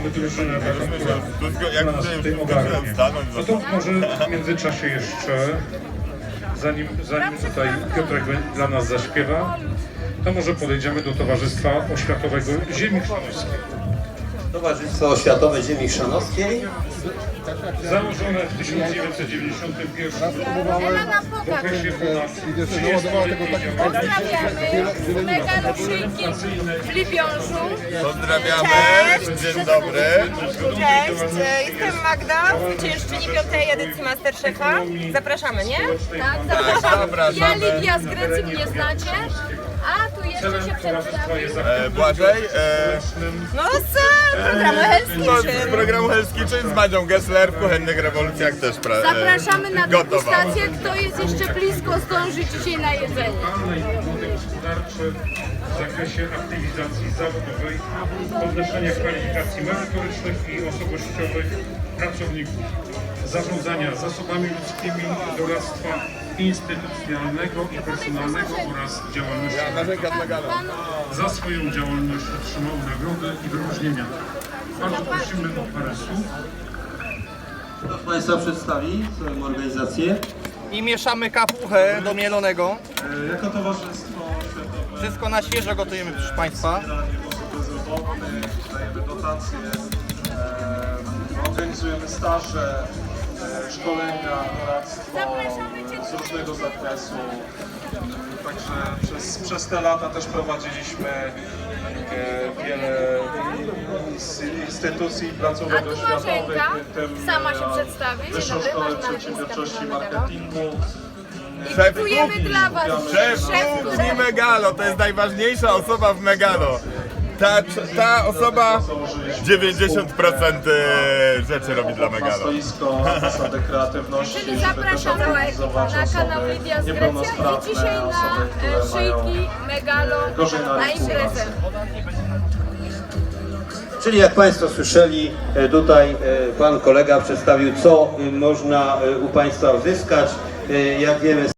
mamy drużynę taką, która nas w tym ogarnie. No to może w międzyczasie jeszcze, zanim tutaj Piotrek dla nas zaśpiewa, to może podejdziemy do Towarzystwa Oświatowego Ziemi Chrzanowskiej. Towarzystwo Oświatowe Ziemi Chrzanowskiej. Założone w 1991 w okresie ponad 30-letniej Pozdrawiamy megaloszyjki w Libiążu. Pozdrawiamy, dzień dobry. Cześć, jestem Magda, zwyciężczyni 5. edycji Masterchefa. Zapraszamy, nie? Tak, zapraszam. Zapraszamy. Ja Lidia z Grecji, mnie znacie. A tu jeszcze się przedstawię. Błażej, No z programu Hell's no, z Kitchen. programu Hell's Kitchen z Madzią Gessler w Kuchennych Rewolucjach też Zapraszamy na gotowa. degustację. Kto jest jeszcze blisko, zdąży dzisiaj na jedzenie. lokalne i podmioty gospodarcze w zakresie aktywizacji zawodowej, podnoszenia kwalifikacji merytorycznych i osobowościowych pracowników, zarządzania zasobami ludzkimi, doradztwa instytucjonalnego i personalnego oraz działalności. Za swoją działalność otrzymał nagrody i wyróżnienia. Bardzo prosimy o parę słów. Kto z Państwa przedstawi swoją organizację? I mieszamy kapuchę do mielonego. Jako Towarzystwo Oświatowe Wszystko na świeżo gotujemy, proszę Państwa. wspieranie osoby bezrobotnych, dajemy dotacje, organizujemy staże, szkolenia, doradztwo z różnego zakresu. Także przez te lata też prowadziliśmy wiele instytucji i placówek A tu oświatowych, Marzenka w tym sama się przedstawi. Dzień Wyższą dobry, Szkołę Marzena Przedsiębiorczości i Lipińska, Marketingu. I gotujemy dla Was. Szef kuchni Megalo, to jest najważniejsza osoba w Megalo. Ta osoba 90% rzeczy robi dla Na Megalo. stoisko zasady kreatywności, Czyli żeby też zapraszam organizować na kanał osoby Lidia z Grecji i niepełnosprawne, dzisiaj na osoby, które szyjki Megalo gorzej na na rynku imprezę. Czyli jak Państwo słyszeli, tutaj Pan kolega przedstawił, co można u Państwa uzyskać. Jak wiemy,